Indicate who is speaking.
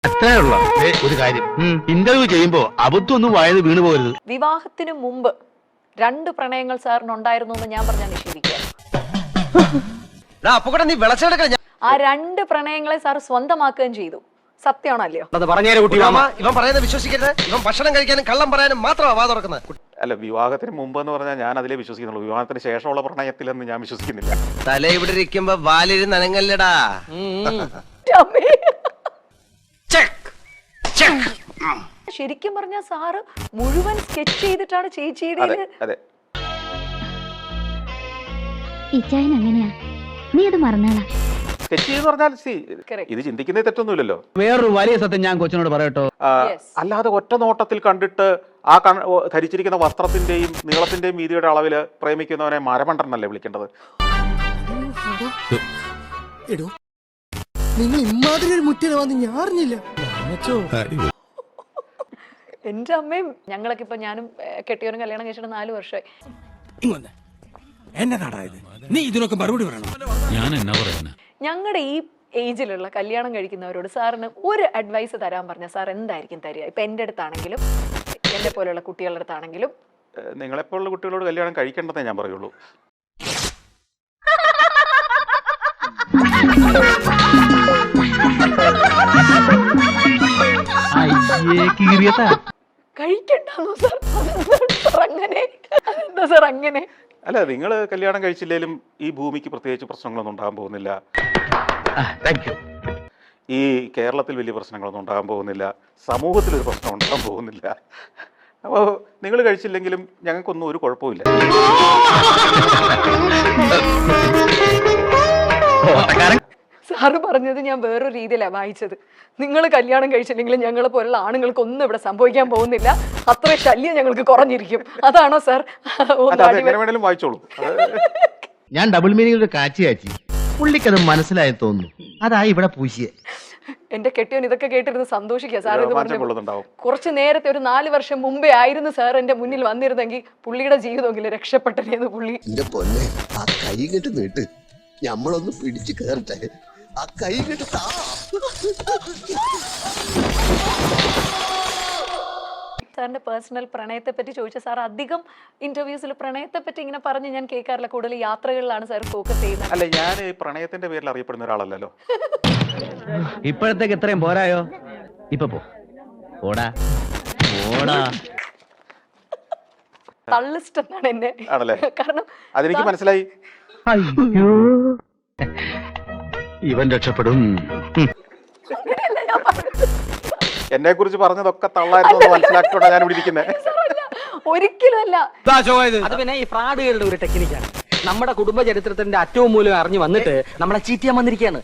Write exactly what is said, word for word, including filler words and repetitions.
Speaker 1: അത്രയുള്ള ഒരു കാര്യം ഇന്റർവ്യൂ ചെയ്യുമ്പോ അബദ്ധമൊന്നും വായത് വീണു പോകരുത്.
Speaker 2: വിവാഹത്തിന് മുമ്പ് രണ്ട് പ്രണയങ്ങൾ സാറിന് ഉണ്ടായിരുന്നു എന്ന് ഞാൻ പറഞ്ഞാൽ നിഷേധിക്കുക. ആ രണ്ട് പ്രണയങ്ങളെ സാർ സ്വന്തമാക്കുകയും ചെയ്തു. സത്യമാണോ അല്ലയോ?
Speaker 3: ഇവൻ പറയുന്നത് വിശ്വസിക്കരുത്. ഇവൻ ഭക്ഷണം കഴിക്കാനും കള്ളം പറയാനും മാത്രമാണ് വാ തുറക്കുന്നത്.
Speaker 4: അല്ല, വിവാഹത്തിന് മുമ്പ് എന്ന് പറഞ്ഞാൽ ഞാൻ അതിലേ വിശ്വസിക്കുന്നുള്ളൂ. വിവാഹത്തിന് ശേഷമുള്ള പ്രണയത്തിലെന്ന് ഞാൻ വിശ്വസിക്കുന്നില്ല.
Speaker 3: തല ഇവിടെ ഇരിക്കുമ്പോ വാലിരുന്ന് അനങ്ങല്ലടാ.
Speaker 2: ശരിക്കും പറഞ്ഞ സാറ് മുഴുവൻ സ്കെച്ച് ചെയ്തിട്ടാണ് ചേച്ചിയുടെ
Speaker 4: അതെ
Speaker 5: ഇച്ചായൻ അങ്ങനെയാ, നീ അത് മറന്നാളാ.
Speaker 4: സ്കെച്ച് ചെയ്തെന്ന് പറഞ്ഞാൽ ഇത് ചിന്തിക്കുന്നേ തെറ്റൊന്നുമില്ലല്ലോ.
Speaker 1: വേറൊരു വലിയ സത്യം ഞാൻ കൊച്ചിനോട് പറയട്ടോ.
Speaker 4: അല്ലാതെ ഒറ്റ നോട്ടത്തിൽ കണ്ടിട്ട് ആ ധരിച്ചിരിക്കുന്ന വസ്ത്രത്തിന്റെയും നീളത്തിന്റെയും വീതിയുടെ അളവില് പ്രേമിക്കുന്നവനെ മരമണ്ടനല്ലേ വിളിക്കേണ്ടത്?
Speaker 3: നിങ്ങൾ ഇമാതിരി ഒരു മുറ്റ ഞാൻ അറിഞ്ഞില്ല.
Speaker 2: എന്റെ അമ്മയും ഞങ്ങളൊക്കെ ഇപ്പൊ ഞാനും കെട്ടിയവനും കല്യാണം കഴിച്ചിട്ട് നാല് വർഷമായി.
Speaker 6: നീ ഇതിനൊക്കെ മറുപടി പറയണം. ഞാൻ എന്നാ പറയാനാ?
Speaker 2: ഞങ്ങളുടെ ഈ ഏജിലുള്ള കല്യാണം കഴിക്കുന്നവരോട് സാറിന് ഒരു അഡ്വൈസ് തരാൻ പറഞ്ഞ സാർ എന്തായിരിക്കും തരിക? ഇപ്പൊ എന്റെ അടുത്താണെങ്കിലും എന്നെ പോലെയുള്ള കുട്ടികളുടെ അടുത്താണെങ്കിലും.
Speaker 4: നിങ്ങളെപ്പോലുള്ള കുട്ടികളോട് കല്യാണം കഴിക്കേണ്ടതേ ഞാൻ പറയുള്ളൂ.
Speaker 2: കഴിക്കണ്ടെന്നോ സാർ? അങ്ങനെ എന്താ സാർ അങ്ങനെ?
Speaker 4: അല്ല, നിങ്ങൾ കല്യാണം കഴിച്ചില്ലേലും ഈ ഭൂമിക്ക് പ്രത്യേകിച്ച് പ്രശ്നങ്ങളൊന്നും ഉണ്ടാകാൻ പോകുന്നില്ല. ഈ കേരളത്തിൽ വലിയ പ്രശ്നങ്ങളൊന്നും ഉണ്ടാകാൻ പോകുന്നില്ല. സമൂഹത്തിലൊരു പ്രശ്നം ഉണ്ടാകാൻ പോകുന്നില്ല. അപ്പോൾ നിങ്ങൾ കഴിച്ചില്ലെങ്കിലും ഞങ്ങൾക്കൊന്നും ഒരു കുഴപ്പമില്ല.
Speaker 2: സാറ് പറഞ്ഞത് ഞാൻ വേറൊരു രീതിയിലാണ് വായിച്ചത്. നിങ്ങൾ കല്യാണം കഴിച്ചില്ലെങ്കിലും ഞങ്ങളെ പോലുള്ള ആണുങ്ങൾക്ക് ഒന്നും ഇവിടെ സംഭവിക്കാൻ പോകുന്നില്ല, അത്ര ശല്യം ഞങ്ങൾക്ക് കുറഞ്ഞിരിക്കും. അതാണോ സാർ?
Speaker 4: വായിച്ചോളൂ.
Speaker 1: ഞാൻ ഡബിൾ മീനിംഗ് കാച്ചി കാച്ചി പുള്ളിക്കത് മനസ്സിലായി തോന്നുന്നു. അതാ ഇവിടെ പൂശിയെ.
Speaker 2: എന്റെ കെട്ടിയോൻ ഇതൊക്കെ കേട്ടിരുന്ന് സന്തോഷിക്കുക. സാർ ഇത് പറഞ്ഞു കുറച്ച് നേരത്തെ ഒരു നാല് വർഷം മുമ്പേ ആയിരുന്നു സാർ എന്റെ മുന്നിൽ വന്നിരുന്നെങ്കിൽ പുള്ളിയുടെ ജീവിതമെങ്കിലും രക്ഷപ്പെട്ടേന്ന്. പുള്ളി
Speaker 7: ആ കൈ കെട്ട് നീട്ട്, ഞമ്മളൊന്ന് പിടിച്ചു കേറട്ടെ. ആ കൈ കെട്ട്
Speaker 2: സാറിന്റെ പേഴ്സണൽ പ്രണയത്തെ പറ്റി ചോദിച്ച സാർ അധികം ഇന്റർവ്യൂസിൽ പ്രണയത്തെ പറ്റി ഇങ്ങനെ പറഞ്ഞ് ഞാൻ കേൾക്കാറില്ല. കൂടുതൽ യാത്രകളിലാണ് സാർ ഫോക്കസ് ചെയ്യുന്നത്.
Speaker 4: അല്ല, ഞാൻ പ്രണയത്തിന്റെ പേരിൽ അറിയപ്പെടുന്ന ഒരാളല്ലല്ലോ.
Speaker 1: ഇപ്പോഴത്തേക്ക് എത്രയും പോരായോ? ഇപ്പൊ പോ ഓടാ ഓടാ.
Speaker 2: തള്ളിസ്റ്റ് എന്നാണ് എന്നെ.
Speaker 4: ആണല്ലേ?
Speaker 2: കാരണം
Speaker 4: അതെനിക്ക് മനസ്സിലായി.
Speaker 1: അയ്യോ, ഇവൻ രക്ഷപ്പെടും.
Speaker 4: എന്നെ കുറിച്ച് പറഞ്ഞതൊക്കെ തള്ളായിരുന്നു മനസ്സിലാക്കിയോണ്ടാ ഞാൻ ഇവിടെ ഇരിക്കുന്നത്.
Speaker 2: ഒരിക്കലും അല്ല.
Speaker 8: അത് പിന്നെ ഈ ഫ്രാഡുകളുടെ ഒരു ടെക്നിക്കാണ്. നമ്മുടെ കുടുംബ ചരിത്രത്തിന്റെ അറ്റവും മൂലം അറിഞ്ഞു വന്നിട്ട് നമ്മളെ ചീറ്റിയാൻ വന്നിരിക്കുകയാണ്.